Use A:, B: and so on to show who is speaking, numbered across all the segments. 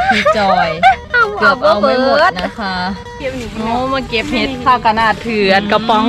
A: พี่จอยเกือบเอาไม่หมดนะคะโอ้มาเก็บเห็ดข้าวกระนาดเถื่อนกระป๋อง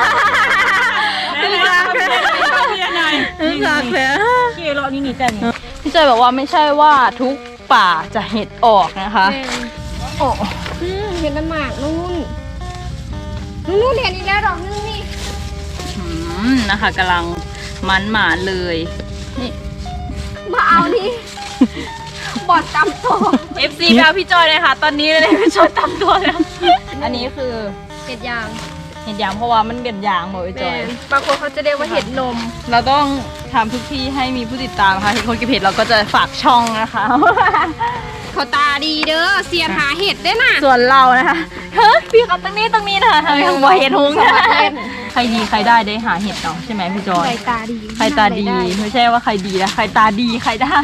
A: พี่จอยบอกว่าไม่ใช่ว่าทุกป่าจะเห็ดออกนะคะโอ้
B: เห็นน้ำหมากนู่นเห็นอีกแล้วดอกนึงนี่
A: นะคะกำลังมันหมานเลยนี่
B: มาเอานี่บอดตำตัว
A: FC ไปเอาพี่จอยเลยค่ะตอนนี้เลยพี่จอยตำตัวแล้วอันนี้คือ
B: เห็ดยาง
A: เห็ดยางเพราะว่ามันเป็นยางหมดพี่จอย
B: บางคนเขาจะเรียกว่าเห็ดนม
A: เราต้องทำทุกที่ให้มีผู้ติดตามค่ะเห็นคนกินเห็ดเราก็จะฝากช่องนะคะ
B: เขาตาดีเด้อเสียหาเห็ดได้น่ะ
A: ส่วนเรานะคะเฮ้ยพี่เขาตรงนี้นะคะทำไมหัวเห็ดหุงใครดีใครได้หาเห็ดเนาะใช่ไหมพี่จอย
B: ใครตาดี
A: ใครตาดีไม่ใช่ว่าใครดีนะใครตาดีใครได้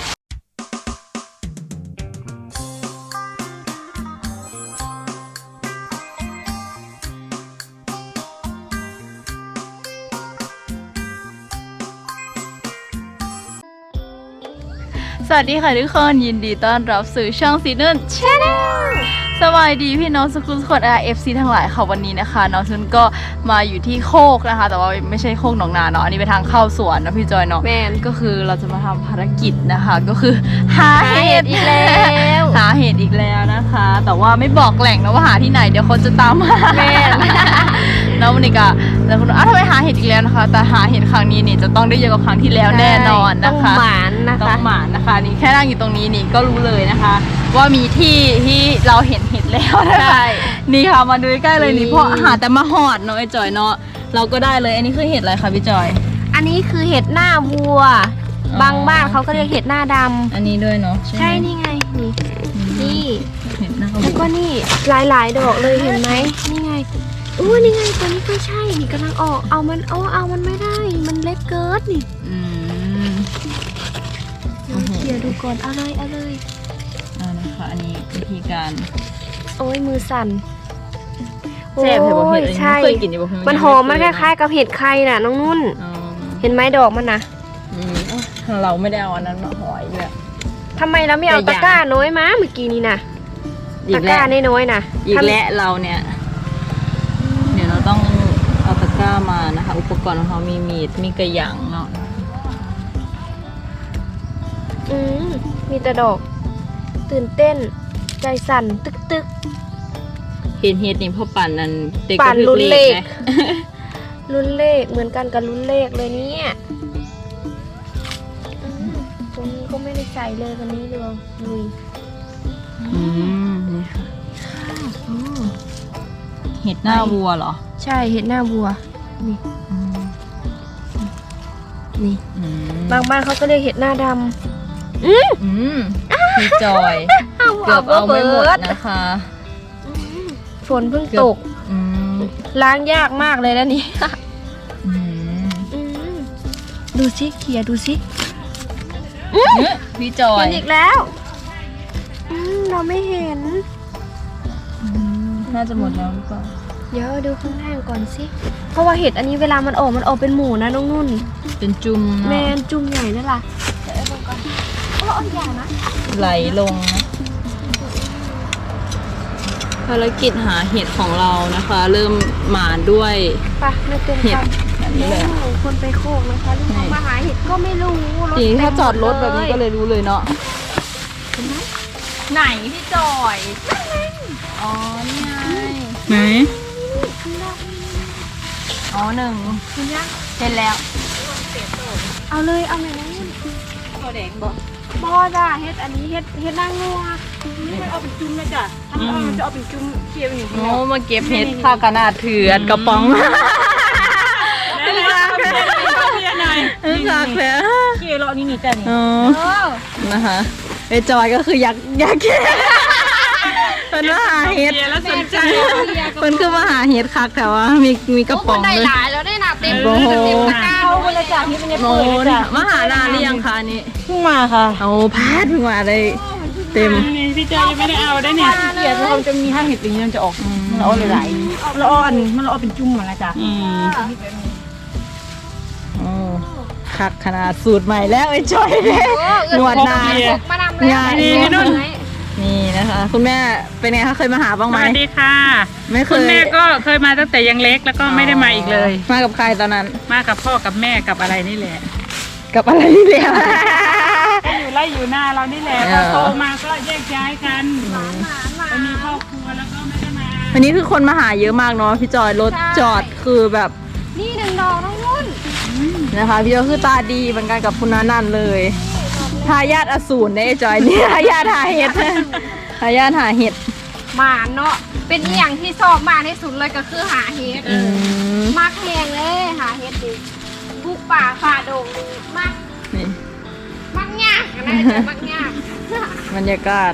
A: สวัสดีค่ะทุกคนยินดีต้อนรับสู่ช่องซีนุ่นชาแนลสวัสดีพี่น้องสกุลสกด FC ทั้งหลายค่ะวันนี้นะคะน้องซุนก็มาอยู่ที่โคกนะคะแต่ว่าไม่ใช่โคกหนองนาเนาะอันนี้เป็นทางเข้าสวนนะพี่จอยเนาะ
B: แมน
A: ก็คือเราจะมาทำภารกิจนะคะก็คือหาเห็ด
B: อีกแล้ว
A: หาเห็ดอีกแล้วนะคะ แต่ว่าไม่บอกแหล่งนะว่าหาที่ไหนเดี๋ยวคนจะตามมาแม่ แล้ววันนี้ก็แล้วคุณทำไมหาเห็ดอีกแล้วนะคะแต่หาเห็ดครั้งนี้นี่จะต้องได้เยอะกว่าครั้งที่แล้วแน่นอนนะคะ
B: ต้องหมานนะคะ
A: ต้องหมานนะคะนี่แค่นั่งอยู่ตรงนี้นี่ก็รู้เลยนะคะ ว่ามีที่ที่เราเห็นเห็ดแล้วนะคะนี่ค่ะมาดูใกล้ๆเลยนี่เพราะหาแต่มาหอดเนาะไอ้จอยเนาะเราก็ได้เลยอันนี้คือเห็ดอะไรคะพี่จอย
B: อันนี้คือเห็ดหน้าวัว บางบ้านเขาก็เรียกเห็ดหน้าดำ
A: อันนี้ด้วยเนาะใช่ไหม
B: ใช่นี่ไงนี่
A: เห็ดหน้า
B: แล้วก็นี่หลายๆดอกเลยเห็นไหมนี่ไงนี่ไงตัวนี้ก็ใช่นี่กำลังออกเอามันไม่ได้มันเล็กเกินนี่เดี๋ยวดูก่อนเอาเลย
A: นะคะอันนี้วิธีการ
B: โอ้ยมือสั่น
A: แซ่บเห็ดบ่เห็ดอันนี้
B: ใช่
A: เคยกินอยู่บ่เห็ด
B: มันหอมมันคล้ายๆกับเห็ดไข่น่ะน้องนุ่นเห็นไหมดอกมันนะ
A: เราไม่ได้เอาอันนั้นมาหอยด้วย
B: ทำไมเราไม่เอาตะกร้าน้อยมาเมื่อกี้นี้นะตะกร้าน้อยๆนะ
A: อีกและเราเนี่ยเดี๋ยวเราต้องเอาตะกร้ามานะคะอุปกรณ์ของเขามีมีดมีกระหยังเนาะ
B: มีแต่ดอกตื่นเต้นใจสั่นตึก
A: เห็นเฮ็ดนี่พ่อปั่นนั่นเด็ก
B: ปั่น
A: ก็
B: ลุ้นเลข
A: ไง
B: ลุ้นเลขเหมือนกันกับลุ้นเลขเลยเนี่ยตรงนี้ก็ไม่ได้ใส่เลยวันนี้เลยลุย
A: นี่ค่ะเห็ดหน้าวัวเหรอ
B: ใช่เห็ดหน้าวัวนี่บางบ้านเขาก็เรียกเห็ดหน้าดำ
A: พี่จอยเกือบเอาไม่หมดนะคะ
B: ฝนเพิ่งตกล้างยากมากเลยนะนี่ดูสิเขี่ยดูสิ
A: พี่จอย
B: เห็นอีกแล้วเราไม่เห็น
A: น่าจะหมดแล้วหรือเปล่า
B: เดี๋ยวดูข้างล่างก่อนสิเพราะว่าเห็ดอันนี้เวลามันออกเป็นหมูนะน้องนุ่น
A: เป็นจุ่ม
B: แมนจุ่มใหญ่นั่นแหละเดี๋ยวลงก่อนใหญ่นะ
A: ไหลลงนะภารกิจหาเห็ดของเรานะคะ เริ่มมาด้วยเห็ดแบบนี้เลย
B: คนไปโคกนะคะลูกมาหาเห็ดก็ไม่รู้
A: จริงถ้าจอดรถแบบนี้ก็เลยรู้เลยเนาะไหนพี่จอยอ๋อนี่ไงไหนอ๋อหนึ่งคุณยังเสร็จแล้ว
B: เอาเลยเอาไหนนะ
A: ตัวแดงบ่
B: จ้าเฮ็ดอันนี้เฮ็ดนางงัว
C: นี่มันเอาเป็นจุ่มนะจ้ะถ้ามันจะเอาเป็นจุ่มเคี่ยวอย่างนี้
A: โอ้มาเก็บเห็ดข้าวกระนาดเถื่อนกระป๋อง
C: คักแล้วเคี่ยวเรานี่จ้ะนี่
A: นะคะไอจอยก็คืออยากเก็บเป็นมาหาเห็ด
C: แล้วสนใจ
A: เป็นคือมาหาเห็ดคักแต่ว่ามีกระป๋อง
B: เลยหลายแล้วได้นับเต็มตะกร้า
C: เข้าไปเลยจ้ะที่มันเนี่ยเปิดเลยจ้ะ
A: มาหานานหรือยังคะนี่
C: เพิ่งมาค่ะ
A: โอ้พาดเพิ่งมาได้เต็ม
C: พี่จอยยังไม่ได้เอาได้เนี่ยเกียร์เราจะมีห้าเห็ดอย่างนี้มันจะออกมันเอาหลายๆเราเอามันเอาเป็นจุ่มหมดแล้วจ้ะ
A: โอ้คักขนาดสูตรใหม่แล้วไอ้จอยเนี่ยหนวดนาน
B: มานำเลย
A: งานนี้นี่นะคะ คุณแม่เป็นไงคะเคยมาหาบ้าง
C: ส
A: ไหม
C: วัสดีค่ะ
A: ไม่เคย
C: คุณแม่ก็เคยมาตั้งแต่ยังเล็กแล้วก็ไม่ได้มาอีกเลย
A: มากับใครตอนนั้น
C: มากับพ่อกับแม่กับอะไรนี่แหละ
A: กับอะไรนี่แหละ
C: อยู่ไร่อยู่หน้าเรานี่แหละ
A: เอ
C: พ
A: อ
C: อโตมาก็แยกย้ายกันไปมีครอบครัวแล้วก็ไม่ได้มา
A: วันนี้คือคนมาหาเยอะมากเนาะพี่จอยรถจอดคือแบบ
B: นี่1 ดอกน้องนุ่น
A: นะคะพี่จอยคือตาดีเหมือนกันกับคุณนันเลยทายาทอสูรเนี่ยไอ้จอยนี่ ทายาทหาเห็ดทายาทหาเห็ด
B: หมาเนาะเป็นอหย่างที่ชอบมากที่สุดเลยก็คือหาเห็ด
A: ม
B: มากแหงเลยหาเห็ดดิบุกป่าฝ่าดงนี่มาก
A: นี่
B: มักยากนะจะมักยาก
A: บรรยากาศ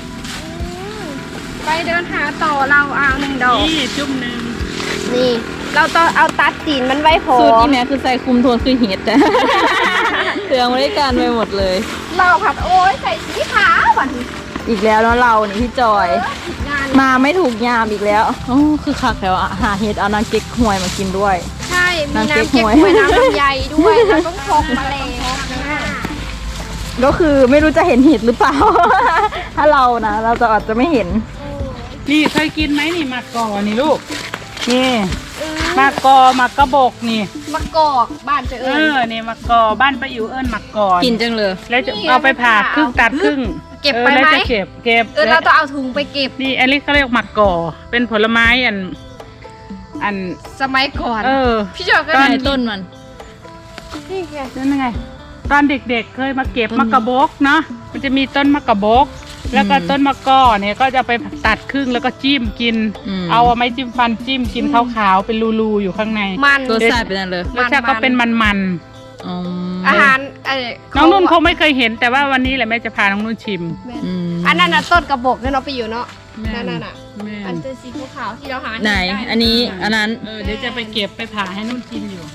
B: ไปเดินหาต่อเราเอา1 ดอก
C: นี่จุ่มหนึ่ง
B: นี่ เราต้องเอาตัดตีนมันไว้พอ
A: สูตรที่แม่คือใส่คุมโทนคือเห็ด แต่ เครื่องบริการไปหมดเลย
B: เราผัดโอ้ยใส่สีขาววันนี้
A: อีกแล้วเนาะเรานี่พี่จอย
B: งาน
A: มาไม่ถูกยามอีกแล้วโอ้คือคักแล้วอะหาเห็ดเอานางเก๊กหวยมากินด้วย
B: ใช่มี
A: น้ำ
B: น้ำ
A: เก๊
B: เก็
A: ก
B: บ
A: ฮวย
B: หวยน้ำลำไยด้วยเราต้องพกมาเลย
A: ก็คือไม่รู้จะเห็นเห็ดหรือเปล่า ถ้าเรานะเราจะอาจจะไม่เห็น
C: นี่เคยกินไหมนี่มะกอนี่ลูกนี่มะกอมะกระบอกนี่
B: มะกอกบ้านเจอ
C: เออนี่มะกอบ้านป้าอิ๋วเอิญมะกอ
A: กินจังเลย
C: แล้วจะเอาไปผ่าครึ่งตัดครึ่ง
B: เก็บไปไหม
C: แล้วจะเก็บ
B: เราต้องเอาถุงไปเก็บ
C: นี่อันนี้เขาเรียกมะกอเป็นผลไม้อัน
B: สมัยก่อน
C: เออ
B: พี่จอยก็
C: ตอน
A: ในต้นมัน
B: นี่ไง
C: นั่นไงตอนเด็กๆเคยมาเก็บมะกระบอกเนาะมันจะมีต้นมะกระบอกแล้วก็ต้นมะกอเนี่ยก็จะไปตัดครึ่งแล้วก็จิ้มกิน เอาไม้จิ้มฟันจิ้มกินขาวๆเป็นรูๆอยู่ข้างใน
B: มัน
A: รสชาติเป็นอะไรเลย
C: รสชาติก็เป็นมัน
A: อืม
B: อาหาร
C: ๆน้องนุ่นคงไม่เคยเห็นแต่ว่าวันนี้แหละแม่จะพาน้องนุ่นชิม
A: อืม
B: อันนั้นน่ะต้นกระบอกเนี่ยเนาะไปอยู่เนาะ
C: แม่
B: นั่นน่ะ
C: แม่
B: อันเป็นสีขาวๆที่เราหา
A: ไหน
B: ด้
A: อันนี้อันนั้น
C: เดี๋ยวจะไปเก็บไปผ่าให้นุ่นกินอยู่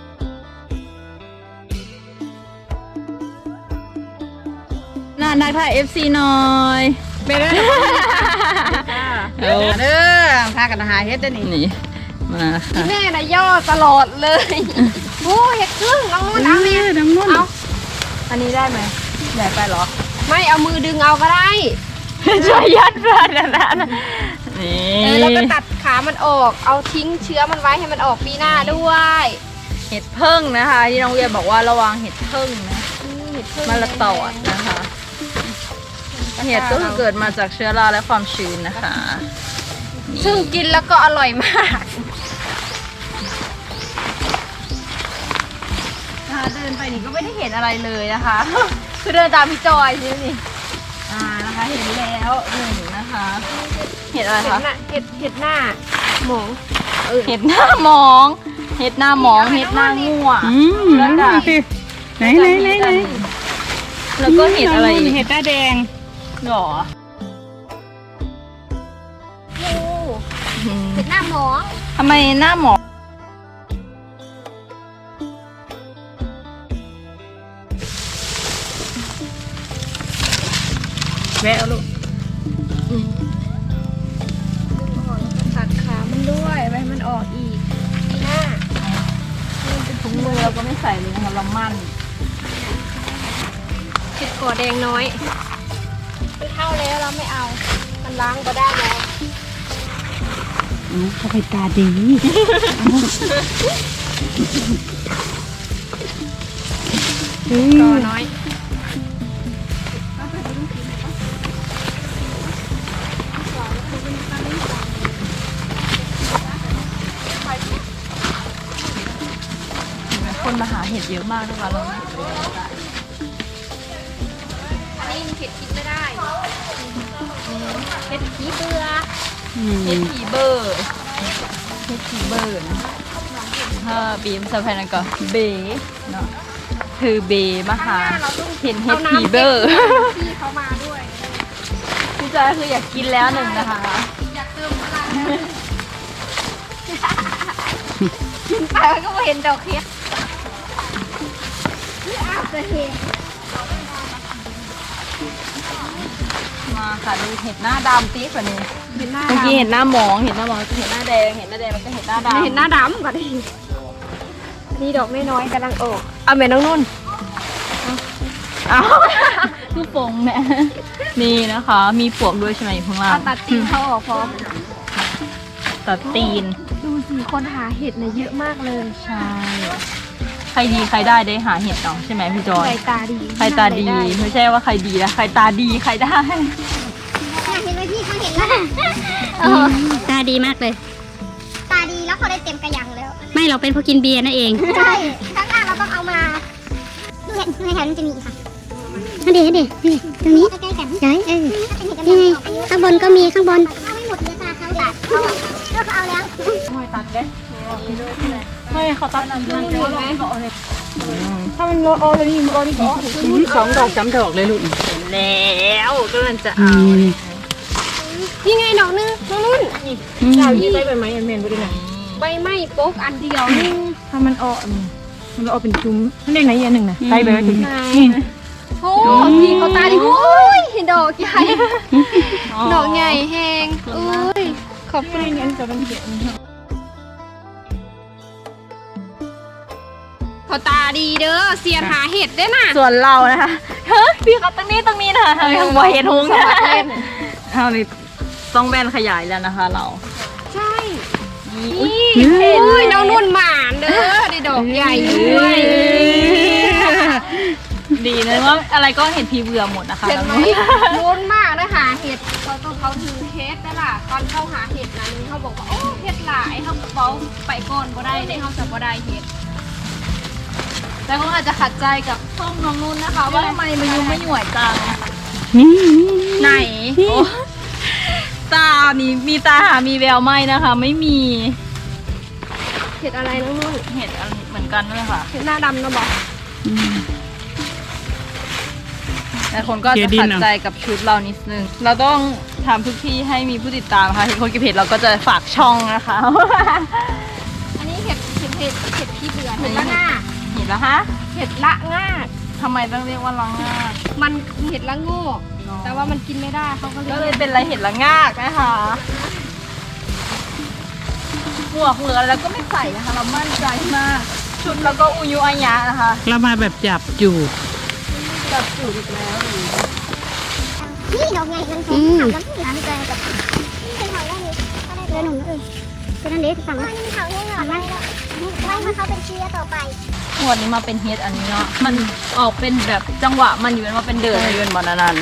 A: น่านักถ่าย FC หน่อย
C: ไปเลย
A: เอา
C: เด้อพากันหาเฮ็ดได้นี่
A: นี่มาค่ะ
B: แม่น่ะย่อตลอดเลยโอ้เห็ดครึ่งน้องนุ่นเอาเนี่ย
C: น้องนุ่น
B: เอา
A: อันนี้ได้ไหมใหญ่ไปเหรอ
B: ไม่เอามือดึงเอาก็ได้
A: ช่วยยัดเพื่อนนะนี่
B: แล้วก็ตัดขามันออก เอาทิ้งเชื้อมันไว้ให้มันออกปีหน้าด้วย
A: เห็ดพึ่งนะคะ ที่น้องเวียบอกว่าระวังเห็ดพึ่งนะ
B: เห็ดพึ่ง
A: มาละตอดนะคะเห็ดก็คือเกิดมาจากเชื้อราและความชื้นนะคะนี่
B: ซึ่งกินแล้วก็อร่อยมาก
A: เดินไปนี่ก็ไม่ได้เห็นอะไรเลยนะคะ คือเดินตามพี่จอยใช่ไหมนี่นะคะเห็นแล้วหนึ่งนะคะ เห็ดอะไร
B: เห็ด
A: คะ
B: หน้าเห็ดหน้าหมอง
A: เห็ดหน้าหมอง เห็ดหน้าหมอง เห็ดหน้างัว
C: แล้วก็ไหน
A: แล้วก็เห็ดอะไรอีก
C: เห็ดหน้าแดง
A: หรอ
B: โอ้เห็ดหน้าหมอง
A: ทำไมหน้าหมอง
C: แวะเอาลูก
B: ตัดขามันด้วยไว้ให้มันออกอีกปีหน้า
A: ถุงมือเราก็ไม่ใส่เลยนะคะเรามั่น
B: เห็ดก่อแดงน้อยมันเท่าแล้วเราไม่เอา มันล้างก็ได้แล้ว
C: เขาไปตาดี
B: ก่อน้อย
A: คนมาหาเห็ดเยอะมากนะคะเรา
B: อันนี้มันเห็ดกินไม่ได้เห็ดขี้เบื่อ
A: เห็ดผีเบอร์เห็ดผีเบอร์นะถ้าบีมสะพายนั่นก็เบเนาะคือเบมาหาเห็นเห็ดผีเบอร์
B: พี่เขามาด้วย
A: พี่จอยคืออยากกินแล้วหนึ่งนะคะ
B: อยากเติมพลังกินไปมันก็ไม่เห็นดอกเห็ดนี่อาจจะเห็น
A: มาค่ะดูเห็ดหน้าดำตีกว่านี้
B: เห็นหน้า
A: เมื่อกี้เห็นหน้าหมองเห็นหน้าหมองเห็นหน้าแดงเห็นหน้าแดงแล้วก็เห็นหน้าดำ
B: เห็นหน้าดำก่อนดินี่ดอกน้อยๆกำลังออกเอาแม่น้องนุ่น
A: เอา
B: น
A: คือฟงเนี่ยนี่นะคะ มีปลวกด้วยใช่ไหมอยู่ข้างล่าง
B: เอาตัดตีนเขาออกพอ
A: ตัดตีน
B: ดูสิคนหาเห็ดเนี่ยเยอะมากเลย
A: ใช่ใครดีใครได้หาเห็ดเนาะใช่ไหมพี่จอย
B: ใครตาดี
A: ใครตาดีไม่ใช่ว่าใครดีนะใครตาดีใครได้
D: เห็นไหมพี่เขาเห็นแล้วตาดีมากเลย ตาดีแล้วเขาได้เต็มกระยังแล้ว ไม่เราเป็นพวกกินเบียร์นั่นเอง ใช่ข้างล่างเราต้องเอามาดูเห็ดในแถวนั้นจะมีอีกค่ะนี่ตรงนี้ใกล้กันใช่นี่ไงข้างบนก็มีข้างบนเอาไม่หมดเลยตาเขาตัดเขาเอาแล้ว
A: ตัดเด้ไม่เขาตัดนั่นด้วยถ้ามันโอเลยนี่มันโอนี่ก็
C: 2 ดอก 3 ดอกเลยลูก
A: แล้วก็มันจะเอา
B: นี่ไงดอกนึงน้องนุ่น
C: ดาวยี่ใบไม้อันเมนบ่ได้ไหน
B: ใบไม้โป๊กอันเดียวนึง
C: ถ้ามันออกมันออกเป็นจุ้มนั่นเองไหนอันหนึ่งนะใบไว้ถึง
B: ไหนโอ้พี่เขาตาดีโอ้ยดอกใหญ่ดอกใหญ่แหงอุ้ยขอบคุณ
C: งั้นจะเป็นเขียน
B: เขาตาดีเด้อเสียนหาเห็ดได้น่ะ
A: ส่วนเรานะคะเฮ้ยพี่เขาตรงนี้นะคะหัวเห็ดหงส์นะเอานี่ต้องแบนขยายแล้วนะคะเรา
B: ใช่
A: นี่
B: นี่โอ้ยน้องนุ่นหมานเด้อได้ดอกใหญ่ด้วย
A: ดีนะว่าอะไรก็เห็นพีเบื่อหมดนะคะ
B: เห็นไหมลุ้นมากนะหาเห็ดเราต้องเขาถือเคสได้ล่ะตอนเข้าหาเห็ดนะนึงเขาบอกว่าโอ้เห็ดหลายเขาเบาไปก่อนก็ได้ได้เขาจะก็ได้เห็ด
A: แต่คนอาจจะขัดใจกับช่องน้องนุ่นนะคะ ว่าทำไมมายุ่งไม่หน่วยจังไหนโอ้ตานี่มีตาหามีแววไหมนะคะ ไม่มี
B: เห็ดอะไรน้องนุ่น
A: เห็ดอันเหมือนกันด้วยค่ะ
B: เห็ดหน้าดำนะบอก
A: แต่คนก็จะขัดใจกับชุดเรานิดนึงเราต้องทำทุกที่ให้มีผู้ติดตามค่ะเห็นคนเก็บเห็ดเราก็จะฝากช่องนะคะ
B: อันนี้เห็ดพี่เบื่อเห็ดละง่า
A: เห็นแล้วฮะ
B: เห็ดละง่า
A: ทำไมต้องเรียกว่าลังงาก
B: มันเห็ดละโง่แต่ว่ามันกินไม่ได้เขาก็
A: ก็
B: เล
A: เลย ยเป็นอะไรเห็ดละงากนะคะหมวกเหลือแล้วก็ไม่ใส่นะคะ เรามั่นใจมากชุดแล้วก็อุยุอายะนะคะ
C: เรามาแบบจับจูบ
A: แบบจุดอีกแล้ว
D: นี่ดอกใหญ่มันสูงถามแล้วพี่ถามใจกับเป็นเขาได้เลยเดินหนุ่มก็นั่นเด็กสั่งนี่เขาเนี่ยเหรอไม่ให้เขาเป็นเชื้อต่อไป
A: หมวดนี้มาเป็นเฮดอันนี้เนาะมันออกเป็นแบบจังหวะมันอยู่มาเป็นเดินเดินบอลนัน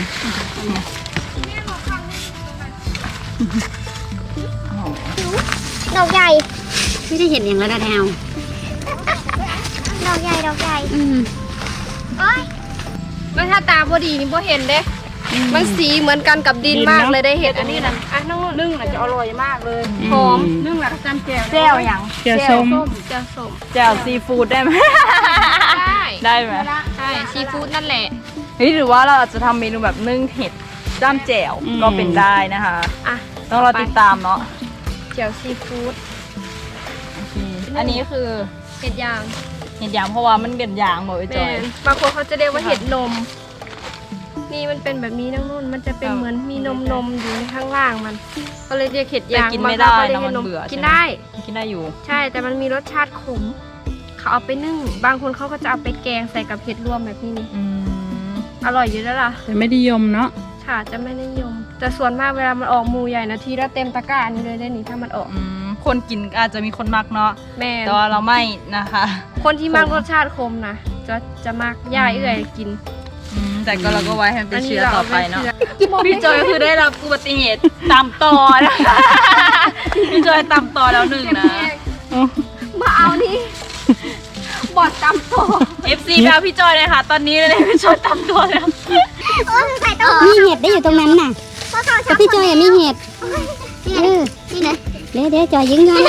D: ดอกใหญ่ไม่ได้เห็นอย่างระดับแถวดอกใหญ่โอ้ย
B: มันถ้าตาพอดีนี่พอเห็นเด้ มันสีเหมือนกันกับดินมากเลยได้เห็ดอันนี้นะอ่ะน้องนุ่น
C: นึ่งน่ะจะอร่อยมากเลย
B: หอม
C: นึ่งน่ะจำแจ่ว
A: แจ่วยัง
C: แจ่วส้ม
B: แจ่วส้ม
A: แจ่วซีฟู้ดได้ไหม
B: ได้
A: ได้ไหม
B: ใช่ซีฟู้ดนั่นแหละ
A: เฮ้ยหรือว่าเราอาจจะทำเมนูแบบนึ่งเห็ดจ้ามแจ่วก็เป็นได้นะคะ
B: อ่ะ
A: ต้องรอติดตามเนาะ
B: แจ่วซีฟู้ด
A: อันนี้คือ
B: เห็ดยาง
A: เห็ดยางเพราะว่ามันเป็นยางหมดไปจ
B: แม่
A: อย
B: นบางคนเขาจะเรียกว่าเห็ดนม นี่มันเป็นแบบนี้น้องนุ่นมันจะเป็นเหมือนมีนมอยู่ในข้างล่างมัน ก็เลยเรียกเห็ด
A: แต่
B: ยาง
A: กินไม่ได้
B: บางค
A: เนาะ
B: เขา
A: มัน
B: เรียก
A: เบื่อ
B: กิน
A: ใช่หม
B: ได้
A: กินได้อยู่
B: ใช่แต่มันมีรสชาติขม เขาเอาไปนึ่ง บางคนเขาก็จะเอาไปแกงใส่กับเห็ดรวมแบบนี้นี่
A: อืม
B: อร่อยอยู่แล้วล่ะ
C: แต่ไม่นิยมเนาะ
B: ค่ะจะไม่นิยม แต่ส่วนมากเวลามันออกหมูใหญ่นะทีละเต็มตะกร้านี่เลยได้นี่ถ้ามันออก
A: คนกินอาจจะมีคนมักเนาะ
B: แม่น
A: แต่ว่าเราไม่นะคะ
B: คนที่มากรสชาติคมนะจะมากย่าเอื่อยกิน
A: แต่ก็เราก็ไว้ให้มันเป็นเชื้อต่อไปเนาะ
B: พี่
A: พี่จอยคือได้รับอุบัติเหตุตามต่อนะคะพี่จอยตามต่อแล้วหนึ่งนะ
B: มาเอานี่บอดตำตัว
A: FC ไปเอาพี่จอยเลยค่ะ ตอนนี้เลยพี่จอยตามตัวแล้ว
D: โอ้ยใส่ตัว
E: มีเห็ดได้อยู่ตรงนั้นน่ะ
D: เพราะเขาช
E: แต่
D: อบ
E: พี่จอยอะมีเห็ด
D: นี่
E: เออ
D: นี่นะ
E: เดี๋ยวจอยยิงย้อน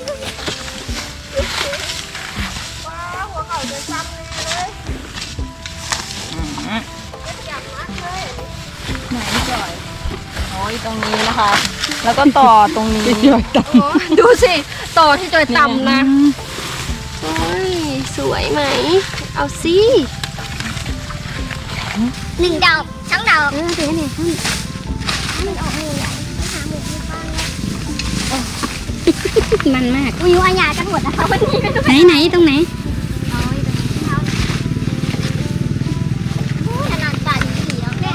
A: ไหนพี่จอยโอ้ยตรงนี้นะคะ แล้วก็ต่อตรงนี้
C: จอยตับ
B: โอ้ดูสิต่อที่จอยตำนะโอ้ยสวยไหม เอาสิ
D: หนึ่งดอกสองดอก
E: เออเดี๋ยวเนี่ย
D: มันออกหมูใหญ่ต้องหาหมูที่บ้านแล้ว
E: มันมาก
D: อุยอาญากันหมดนะคะวันนี้ไม่ต้อง
E: ไหนตรงไหน
D: เอาไว้ตรงนี้เขาโอ้ยนานๆป่านผีแล้วแม่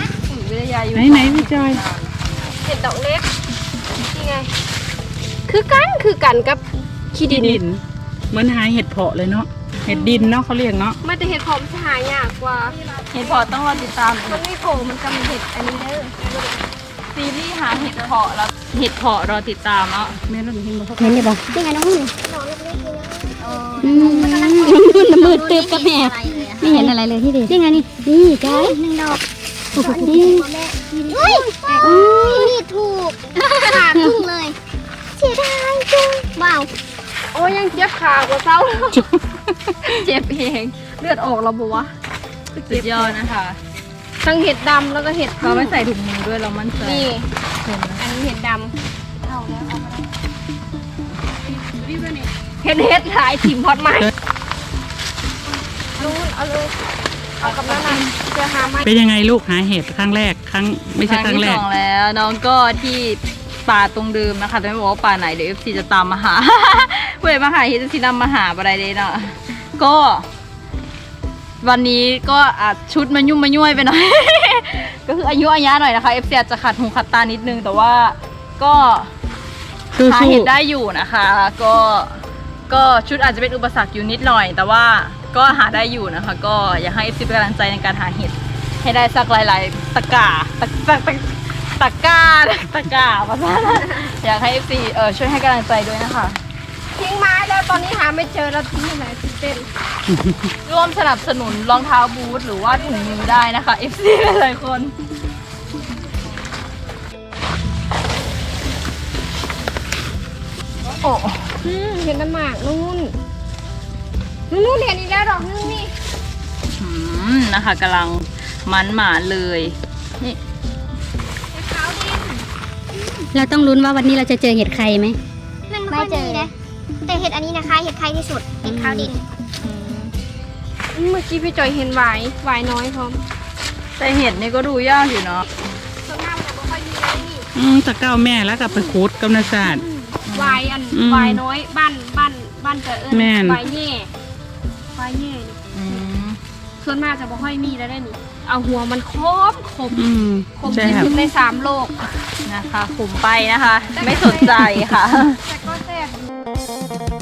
C: ไหนพี่จอย
B: เห็ดดอกเล็กนี่ไงคือกันกับขี้ดิน
C: ดินเหมือนหาเห็ดเพาะเลยเนาะเห็ดดินเนาะเขาเรียกเนาะ
B: ไม่แต่เห็ดหอมจะหายากกว่า
A: เห็ดเพาะต้องรอติดตาม
B: มันไม่โผล่มันก็มีเห็ดอันนี้เด้อ
A: ซีรีส์หาเห็ดเพาะแล้วเห็ดเพาะรอติดตามเนาะ
C: แม่เราเห็นบ่เขา
E: เห็นได้ปะนี่ไงน้องนุ่น
D: น้องเล็กๆนี่
E: น้องนุ่นมืดตึ๊บกับแม่ไม่เห็นอะไรเลยที่ดีนี่ไงนี่จ้อย
D: หนึ่งดอก
E: โอ้โห
D: นี่แม่เฮ้ยนี่ถูกขาครึ่งเลยเสียดายจังว้าว
B: โอ้ยยังเจ็บขากว่าเศร้า เจ็บเองเลือดออกแล้วบอกว่า
A: สุดยอดนะคะ
B: ทั้งเห็ดดำแล้วก็เห็ด
A: เราไม่ใส่ถุงมือด้วยเรามั่นใจ
B: นี่
A: เห็นไหม
B: อันนี้เห็ดดำเอาแล้วเอาไปแล้วเห็ดหายถิ่มพอดใหม่รู้เอาเลยเอากับน้ำมันจะหาไม้
C: เป็นยังไงลูกหาเห็ดครั้งแรกไม่ใช่ครั้งแร
A: ที่
C: ก
A: สองแล้วน้องก็ที่ป่าตรงเดิมนะคะแต่ไม่บอกว่าป่าไหนเดี๋ยว FC จะตามมาหา เพื่อมาหาเฮดซีนำมาหาอะไรเลยเนาะก็ วันนี้ก็อาจชุดมันยุ่มมาย่วยไปหน่อย ก็คืออายุอายะหน่อยนะคะ FC อาจจะขัดหูขัดตานิดนึงแต่ว่าก็หาเห็ดได้อยู่นะคะ ก็ชุดอาจจะเป็นอุปสรรคอยู่นิดหน่อย แต่ว่าก็หาได้อยู่นะคะ ก็อยากให้ FC เป็นกำลังใจในการหาเห็ดให้ได้สักหลายๆตะกร้าภาษาอยากให้ FC ช่วยให้กำลังใจด้วยนะคะ
B: ทิ้งไม้แล้วตอนนี้หาไม่เจอแล้วทิ้งที่ไหนที่เต้น
A: ร่วมสนับสนุนรองเท้าบูทหรือว่าถุงมือได้นะคะ FC หลายๆคนโอ้
B: เห็นน้ำหมากนู่นเห็นอีกแล้วดอกนึงนี่
A: นะคะกำลังมันหมาเลยนี่
B: ขาวดิน
E: เราต้องลุ้นว่าวันนี้เราจะเจอเห็ดใครไหม
D: มันไม่เจอนะแต่เห็ดอันนี้นะคะเห็ดใครที่สุดเห็ดขาวดิน
B: เมื่อกี้พี่จอยเห็นหวายน้อยพร้อม
A: แต่เห็ดนี่ก็ดูยากอยู่เนาะ
B: ส่วนมากมันจะไม่ค่อยมีเลยนี่
C: ตะเก้าแม่แล้วกับไปคูดกำนัศาสตร์
B: หวาย
C: อืม
B: หวายน้อยบ้านจะเอิญ
C: แม่น
B: หวายแย่นี่ส่วนมากจะไม่ค่อยมีแล้วได้นี่เอาหัวมันคม คม
C: ใช่
B: ที่
C: ครับ
B: สุดใน3โลก
A: นะคะขุมไปนะคะ ไม่สนใจค่ะ
B: แต่ก็แซ่บ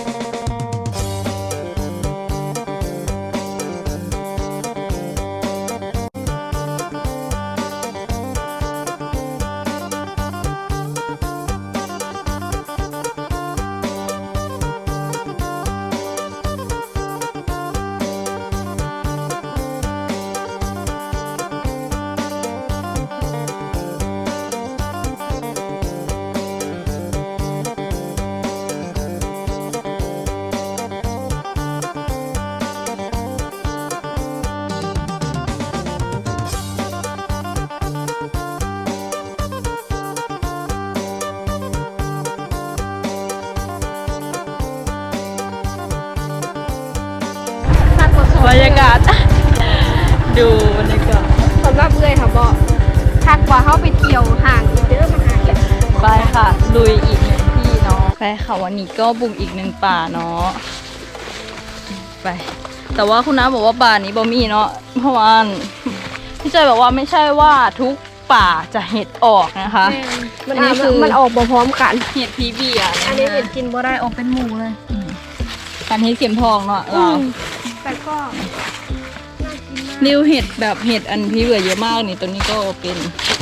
A: บรรยากาศ ดูบรรยากาศ
B: สำหรับเอื้อยค่ะบอกทักว่าเขาไปเที่ยวห่างเด้อมาหาเห็ด
A: ไปค่ะ ลุยอีกหนึ่งที่เนาะไปค่ะวันนี้ก็บุกอีกหนึ่งป่าเนาะไป แต่ว่าคุณน้าบอกว่าป่านี้บ่มีเนาะเพราะว่าพี่จอยบอกว่าไม่ใช่ว่าทุกป่าจะเห็ดออกนะคะ
B: มัน
A: อันนี้คือ
B: มันออกบ่พร้อมกัน
A: เห็ดพีเบียร์
B: อันนี้เห็ดกินบ่ได้ออกเป็นหมูเลย
A: การเห็ดเข็มทองเนาะเรา
B: แต่ก็น่ากินมาก
A: ริวเห็ดแบบเห็ดอันพีเบียร์เยอะมากนี่ตัวนี้ก็เป็น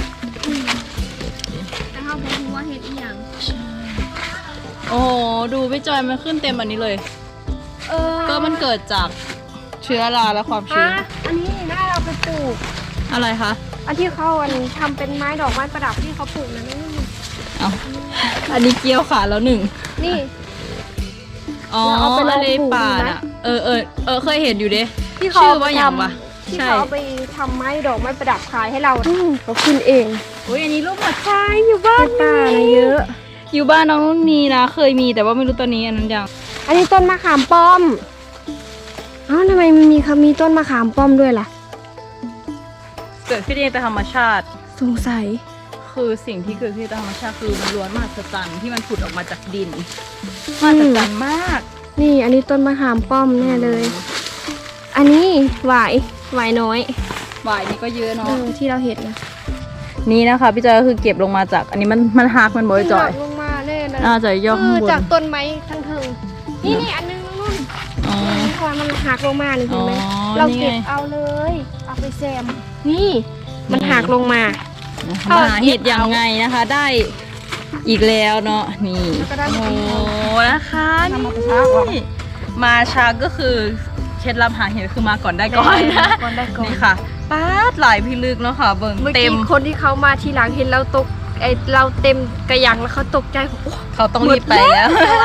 B: แต่เขาบอกว่าเห็ดอีหยัง
A: โอ้โหดูพี่จอยมันขึ้นเต็มอันนี้เลย ก็มันเกิดจากเชื้อราและความชื้น
B: อันนี้น่าเราไปปลูก
A: อะไรคะ
B: อันที่เขาทำเป็นไม้ดอกไม้ประดับที่เขาปลูกนั่นนี่
A: เอาอันนี้เกี่ยวขาแล้วหนึ่ง
B: นี่
A: อ๋อ
B: แล้วเอาไปลอง
A: อะไร
B: ปลูก
A: ป่า
B: ดูไหม
A: น่ะเคยเห็นอยู่เด้
B: ที่เขา
A: ชื่อว่าอย่างวะ
B: ที่
A: ใช่
B: เขาเอาไปทำไม้ดอกไม้ประดับขายให้เราเขาขึ้นเอง
A: อุ้ยอันนี้รูปหัวใจอยู่บ้าน
B: ป่านะเยอะ
A: อยู่บ้านน้องนุ่นมีนะ เคยมีแต่ว่าไม่รู้ตอนนี้อันนั้นยัง
B: อันนี้ต้นมะขามป้อมอ้าวทำไมมันมีต้นมะขามป้อมด้วยล่ะ
A: เกิดขึ้นเองแต่ธรรมชาติ
B: สงสัย
A: คือสิ่งที่เกิดขึ้นตามธรรมชาติคือมันล้วนมหัศจรรย์ที่มันผุดออกมาจากดินมหัศจรรย์มาก
B: นี่อันนี้ต้นมะขามป้อมแน่เลย อันนี้หวายน้อย
A: หวายนี่ก็เยอะเนาะ
B: ที่เราเห็นนะ
A: นี่นะคะพี่จอยก็คือเก็บลงมาจากอันนี้มันหักมันบ่อยจอย
B: หักลงมาแน่นะ
A: น่าจะย่อข้างบน
B: จากต้นไม้ทั้งถึงนี่อันนึงนู่น
A: อ๋อ
B: พอมันหักลงมานี่เห็นไหม
A: อ๋อ
B: เรา
A: นี่ไง
B: เก็บเอาเลย เอาไปแซมนี่มันหักลงมา
A: มาหาเห็ดยังไงนะคะ ได้อีกแล้วเนาะนี่
B: แล้วก็ได้
A: โอ้
B: มา
A: โห
B: กิน
A: นะคะ
B: ทำมาแต่เช้าก่อน
A: นี่มาช้าก็คือเคล็ดลับหาเห็ดคือมาก่อนได้ก่อนนะ
B: ก่อนได้ก่อน
A: นี่ค่ะป๊าดหลายพิลึกเนาะค่ะเบิ่ง
B: เมื่อ
A: เต็
B: กี้
A: ม
B: คนที่เขามาทีหลังเห็นเราตกเราเต็มกระยังแล้วเขาตกใจโอ้
A: เขาต้องรีบไปแล้ว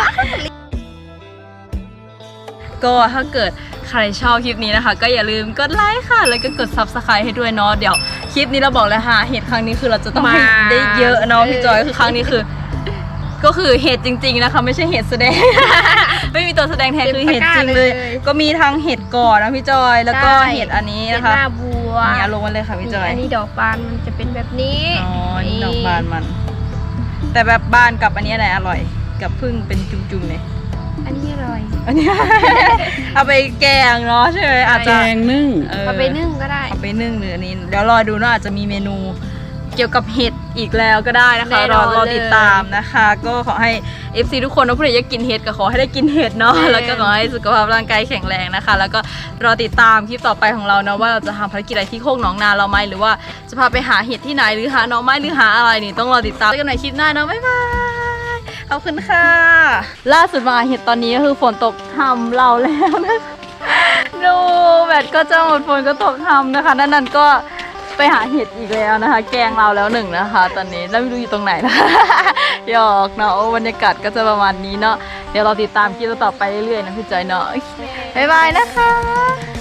A: ก็ถ้าเกิดใครชอบคลิปนี้นะคะ ก็อย่าลืมกดไลค์ค่ะ แล้วก็กด Subscribe ให้ด้วยเนาะเดี๋ยวคลิปนี้เราบอกเลยค่ะเห็ดครั้งนี้คือเราจะต้องให้ได้เยอะเนาะพี่จอยคือครั้งนี้คือ ก็คือเห็ดจริงๆนะคะไม่ใช่เห็ดแสดง ไม่มีตัวแสดงแทนคือเห็ดจริงเลย ก็มีทั้งเห็ดก่อนนะพี่จอยแล้วก็เห็ดอันนี้
B: เป็น
A: นะคะ
B: หน้าบัว
A: เนี่ยลงมาเลยค่ะพี่จอย
B: อันนี้ดอกบานมันจะเป็นแบบนี้
A: อ๋อนี่ดอกบานมัน แต่แบบบานกับอันนี้อะไรอร่อย กับพึ่งเป็นจุ่มๆเนี่ย
B: อันนี้อร่อย
A: อันนี้ เอาไปแกงเนาะใช่ไหมอาจ
C: แก
A: จะ
C: งนึ่ง
B: เอาไปนึ่งก็ได้
A: เอาไปนึ่งหรืออันนี้เดี๋ยวรอดูเนาะอาจจะมีเมนูเกี่ยวกับเห็ดอีกแล้วก็ได้นะคะ
B: แน่นอน
A: รอติดตามนะคะ ก็ขอให้ FC ทุกคนนะผู้ใดอยากกินเห็ดก็ขอให้ได้กินเห็ดเนาะ
B: แน่
A: แล้วก็ขอให้สุขภาพร่างกายแข็งแรงนะคะ แล้วก็รอติดตามคลิปต่อไปของเราเนาะว่าเราจะทำภารกิจอะไรที่โคกหนองนาเราไหมหรือว่าจะพาไปหาเห็ดที่ไหนหรือหาหน่อไม้หรือหาอะไรนี่ต้องรอติดตามกันในคลิปหน้าเนาะบ๊ายบายขอบคุณค่ะ ล่าสุดมาเห็ดตอนนี้ก็คือฝนตกทำเราแล้วนะคะดูแบตก็จะหมดฝนก็ตกทำนะคะนั่นก็ไปหาเห็ดอีกแล้วนะคะ แกงเราแล้วหนึ่งนะคะ ตอนนี้แล้วไม่รู้อยู่ตรงไหนนะ หยอกเนาะบรรยากาศก็จะประมาณนี้เนาะเดี๋ยวเราติดตามคลิปต่อไปเรื่อยๆนะพี่จอยเนาะบ๊ายบายนะคะ